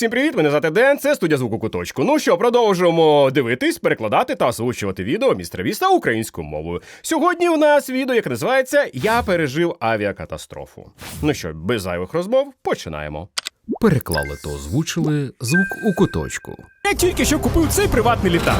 Всім привіт, мене звати Ден, це студія звуку Куточку. Ну що, продовжуємо дивитись, перекладати та озвучувати відео Містера Біста українською мовою. Сьогодні у нас відео, яке називається «Я пережив авіакатастрофу». Ну що, без зайвих розмов, починаємо. Переклали та озвучили звук у Куточку. Я тільки що купив цей приватний літак.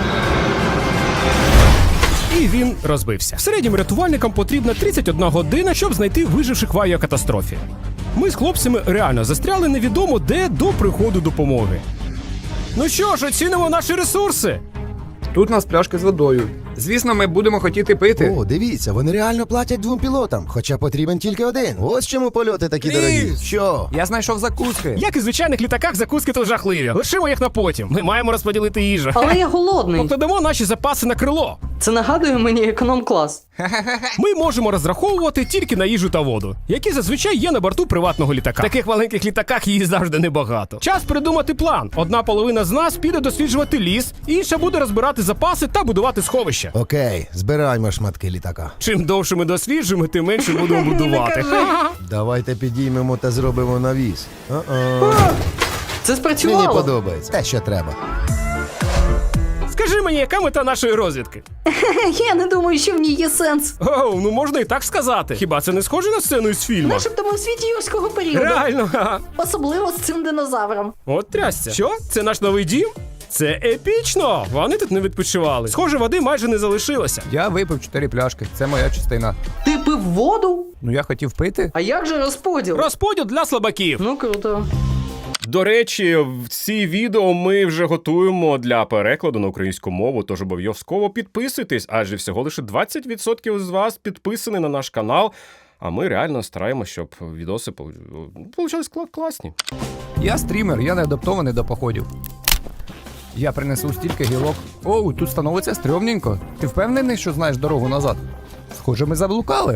І він розбився. В середньому рятувальникам потрібна 31 година, щоб знайти виживших в авіакатастрофі. Ми з хлопцями реально застряли невідомо де до приходу допомоги. Ну що ж, оцінимо наші ресурси. Тут у нас пляшки з водою. Звісно, ми будемо хотіти пити. О, дивіться, вони реально платять 2 пілотам, хоча потрібен тільки один. Ось чому польоти такі дорогі. Що? Я знайшов закуски. Як і в звичайних літаках, закуски тут жахливі. Лишимо їх на потім. Ми маємо розподілити їжу. Але я голодний. Покладемо наші запаси на крило. Це нагадує мені економ-клас. Ми можемо розраховувати тільки на їжу та воду, які зазвичай є на борту приватного літака. В таких маленьких літаках її завжди небагато. Час придумати план. Одна половина з нас піде досліджувати ліс, інша буде розбирати запаси та будувати сховища. Окей, збираємо шматки літака. Чим довше ми досліджуємо, тим менше будемо будувати. Давайте підіймемо та зробимо навіс. Це Мені спрацювало. подобається. Те, що треба. Скажи мені, яка мета нашої розвідки? Я не думаю, що в ній є сенс. Оу, ну можна і так сказати. Хіба це не схоже на сцену із фільму? Начебто ми в світі юрського періоду. Реально, ха. Особливо з цим динозавром. От трясся. Що? Це наш новий дім? Це епічно! Вони тут не відпочивали. Схоже, води майже не залишилося. Я випив 4 пляшки. Це моя частина. Ти пив воду? Ну я хотів пити. А як же розподіл? Розподіл для слабаків. Ну круто. До речі, в ці відео ми вже готуємо для перекладу на українську мову, тож обов'язково підписуйтесь, адже всього лише 20% з вас підписані на наш канал, а ми реально стараємося, щоб відоси получались класні. Я стрімер, я не адаптований до походів. Я принесу стільки гілок. Оу, тут становиться стрьомненько. Ти впевнений, що знаєш дорогу назад? Схоже, ми заблукали.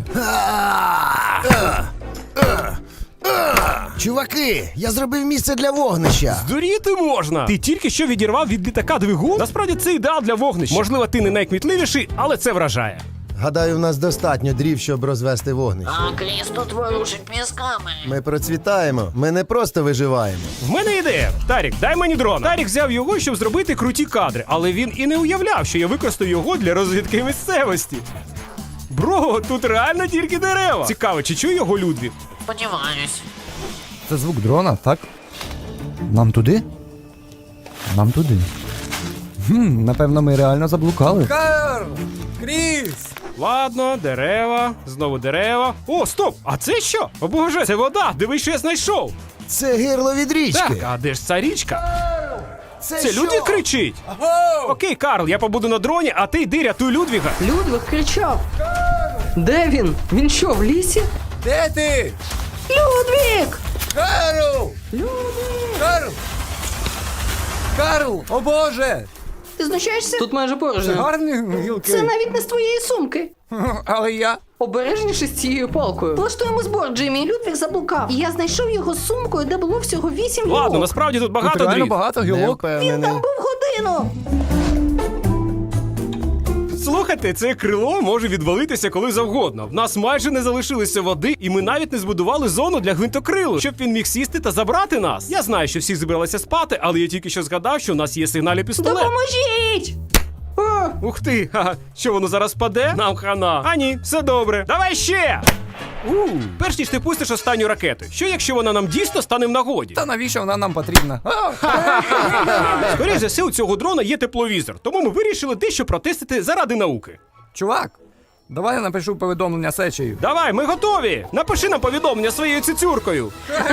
Чуваки, я зробив місце для вогнища. Здуріти можна! Ти тільки що відірвав від літака двигун? Насправді це ідеал для вогнища. Можливо, ти не найкмітливіший, але це вражає. Гадаю, в нас достатньо дрів, щоб розвести вогнище. А Кріс тут ворушить мізками. Ми процвітаємо. Ми не просто виживаємо. В мене ідея. Тарік, дай мені дрон. Тарік взяв його, щоб зробити круті кадри, але він і не уявляв, що я використаю його для розвідки місцевості. Бро, тут реально тільки дерева. Цікаво, чи чує його Людвіг? Сподіваюсь. Це звук дрона, так? Нам туди? Нам туди. Напевно, ми реально заблукали. Карл! Кріс! Ладно, дерева, знову дерева. О, стоп! А це що? О боже, це вода! Дивись, що я знайшов! Це гирло від річки. Так, а де ж ця річка? Це що? Людвіг кричить! Окей, Карл, я побуду на дроні, а ти йди рятуй Людвіга. Людвиг кричав. Де він? Він що, в лісі? Де ти? Людвиг! Карл! Людвиг! Карл! Карл! О боже! Ти знущаєшся? Тут майже порожньо. Гарні гілки. Це навіть не з твоєї сумки. Але я... Обережніше з цією палкою. Влаштуємо збор, Джиммі. Людвиг заблукав. І я знайшов його з сумкою, де було всього 8 гілок. Ладно, насправді тут Тут багато реально дріт. багато Не гілок. Він впевнений. там був годину. Слухайте, це крило може відвалитися коли завгодно. В нас майже не залишилося води, і ми навіть не збудували зону для гвинтокрилу, щоб він міг сісти та забрати нас. Я знаю, що всі збиралися спати, але я тільки що згадав, що у нас є сигнальний пістолет. Допоможіть! О, ух ти, ха, що воно зараз паде? Нам хана. А ні, все добре. Давай ще! Перш ніж ти пустиш останню ракету. Що якщо вона нам дійсно стане в нагоді? Та навіщо вона нам потрібна? Скоріше за все, у цього дрона є тепловізор, тому ми вирішили дещо протестити заради науки. Чувак, давай я напишу повідомлення сечею. Давай, ми готові! Напиши нам повідомлення своєю цицюркою.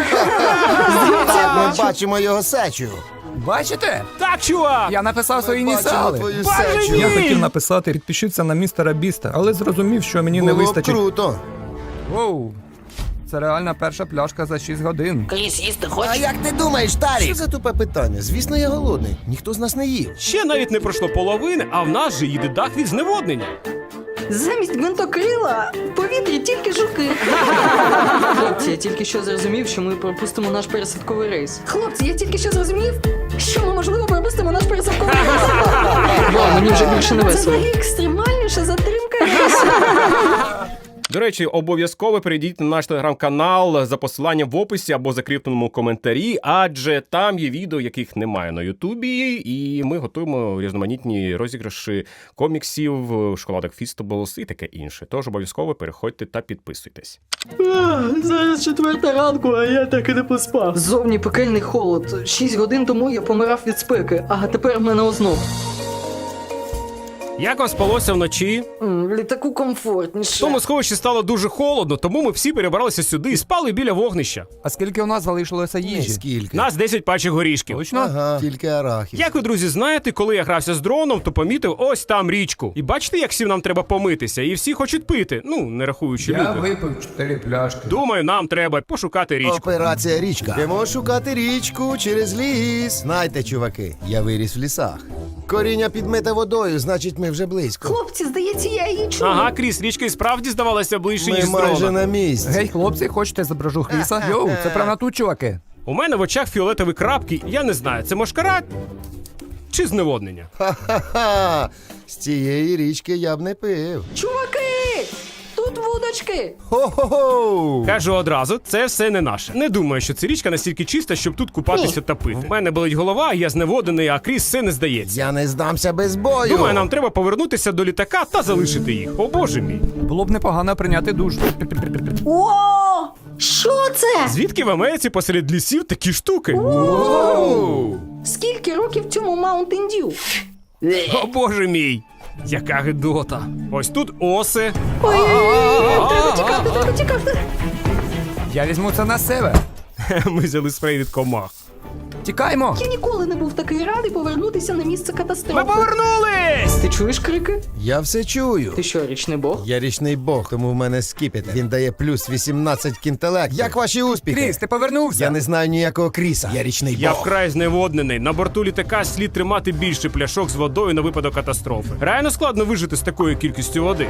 Ми бачимо його сечу. Бачите? Так, чувак! Я написав свої Бачимо ініціали. твою Боже сечу. мій! Я хотів написати підпишіться на містера Біста, але зрозумів, що мені не Було б вистачить. круто. Воу. Це реальна перша пляшка за 6 годин. Кріс, їсти А хочеш? як ти думаєш, Тарік? Що за тупе питання? Звісно, я голодний. Ніхто з нас не їв. Ще навіть не пройшло половини, а в нас же їде дах від зневоднення. Замість гвинтокрила в повітрі тільки жуки. Хлопці, я тільки що зрозумів, що ми пропустимо наш пересадковий рейс. Хлопці, я тільки що зрозумів, що ми, можливо, пропустимо наш пересадковий рейс. Вау, мені вже більше не весело. Це взагалі екстремальніша затримка рейсу. До речі, обов'язково перейдіть на наш телеграм-канал за посиланням в описі або закріпленому коментарі, адже там є відео, яких немає на Ютубі, і ми готуємо різноманітні розіграші коміксів, шоколадок Feastables і таке інше. Тож обов'язково переходьте та підписуйтесь. Зараз 4 ранку, а я так і не поспав. Зовні пекельний холод. 6 годин тому я помирав від спеки, а тепер в мене озноб. Як вам спалося вночі? В літаку комфортніше. В тому сховищі стало дуже холодно, тому ми всі перебралися сюди і спали біля вогнища. А скільки у нас залишилося їжі? Скільки? Нас 10 пачок горішків. Точно? Ага, тільки арахів. Як ви, друзі, знаєте, коли я грався з дроном, то помітив ось там річку. І бачите, як всім нам треба помитися, і всі хочуть пити. Ну, не рахуючи Я люди. випив 4 пляшки. Думаю, нам треба пошукати річку. Операція річка. Йдемо шукати річку через ліс. Знайте, чуваки, я виріс в лісах. Коріння підмите водою, значить ми вже близько. Хлопці, здається, я її чую. Ага, Кріс, річка і справді здавалася ближче, Ми ніж з майже дрона. на місці. Гей, хлопці, хочете зображу Хріса? Йоу, це прямо тут, чуваки. У мене в очах фіолетові крапки, я не знаю, це мошкара чи зневоднення? Ха-ха-ха! З цієї річки я б не пив. Чуваки! Тут вудочки! Хо-хо-хо! Кажу одразу, це все не наше. Не думаю, що ця річка настільки чиста, щоб тут купатися та пити. В мене болить голова, я зневодений, а Кріс все не здається. Я не здамся без бою. Думаю, нам треба повернутися до літака та залишити їх. О боже мій. Було б непогано прийняти душ. О! Що це? Звідки в Америці посеред лісів такі штуки? Скільки років цьому Mountain Dew? О боже мій. Яка гидота. Ось тут оси. Ой-ой-ой, треба тікати. Я візьму це на себе. Ми взяли спрей від комах. Тікаймо! Я ніколи не був такий радий повернутися на місце Ми катастрофи. повернулись! Ти чуєш крики? Я все чую. Ти що, річний бог? Я річний бог, тому в мене скіпетр. Він дає плюс 18 к інтелекту. Як ваші успіхи? Кріс, ти повернувся? Я не знаю ніякого Кріса. Я річний Я бог. вкрай зневоднений. На борту літака слід тримати більше пляшок з водою на випадок катастрофи. Реально складно вижити з такою кількістю води.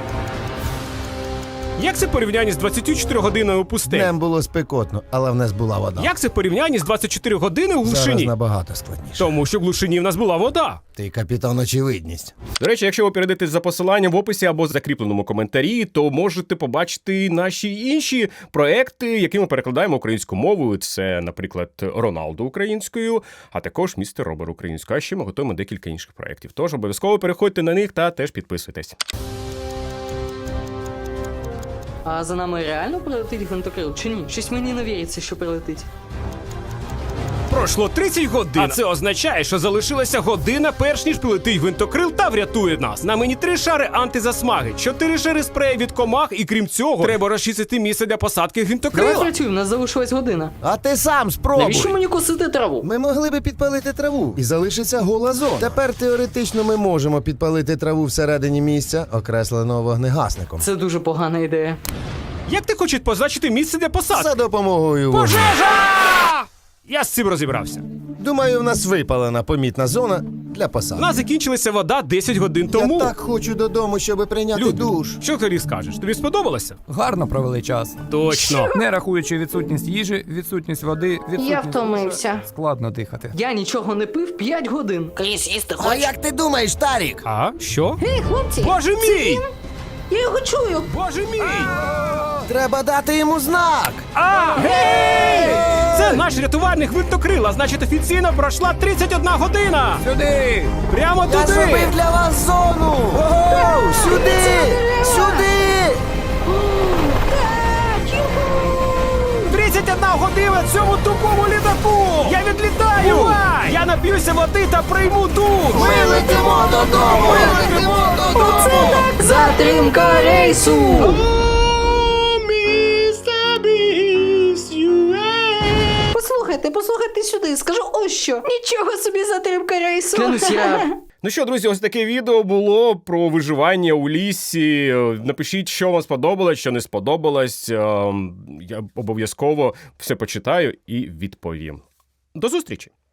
Як це в порівнянні з 24 годиною у пустелі? Днем було спекотно, але в нас була вода. Як це в порівнянні з 24 години у Зараз глушині? набагато складніше. Тому що в глушині в нас була вода. Ти капітан очевидність. До речі, якщо ви перейдете за посиланням в описі або закріпленому коментарі, то можете побачити наші інші проекти, які ми перекладаємо українською мовою. Це, наприклад, Роналду українською, а також містер Робер українською. А ще ми готуємо декілька інших проєктів. Тож обов'язково переходьте на них та теж підписуйтесь. А за нами реально прилетить гвинтокрил чи ні? Щось мені не віриться, що прилетить. Пройшло 30 годин. А це означає, що залишилася година, перш ніж прилетить гвинтокрил та врятує нас. На мені 3 шари антизасмаги, 4 шари спрею від комах, і крім цього, треба розчистити місце для посадки Давай гвинтокрила. працюй, в нас залишилась година. А ти сам спробуй. Навіщо мені косити траву? Ми могли би підпалити траву і залишиться гола зона. Тепер теоретично ми можемо підпалити траву всередині місця, окресленого вогнегасником. Це дуже погана ідея. Як ти хочеш позначити місце для посадки? За допомогою вогню. Пожежа! Я з цим розібрався. Думаю, в нас випалена помітна зона для У посадки. нас закінчилася вода 10 годин тому. Я так хочу додому, щоб прийняти Люди, душ. що ти скажеш? Тобі сподобалося? Гарно провели час. Точно. Не рахуючи відсутність їжі, відсутність води, відсутність втомився. душа, складно дихати. Я нічого не пив 5 годин. Кріс, їсти А хочеш? як ти думаєш, Тарік? А? Що? Гей, хлопці! Боже мій! Я його чую! Боже мій! Треба дати йому знак. А! Гей! Це наш рятувальник гвинтокрил, а значить офіційно пройшла 31 година! Сюди! Прямо Я туди! зробив для вас зону. Ого! Сюди! Сюди! 31 година цьому тупому літаку! Я відлітаю! Я нап'юся води та прийму душ! Ми летимо додому! Ми летимо додому! Затримка рейсу! Послухайте сюди, скажу ось що. Нічого собі затримка рейсу. Клянусь, я... Ну що, друзі, ось таке відео було про виживання у лісі. Напишіть, що вам сподобалось, що не сподобалось. Я обов'язково все почитаю і відповім. До зустрічі!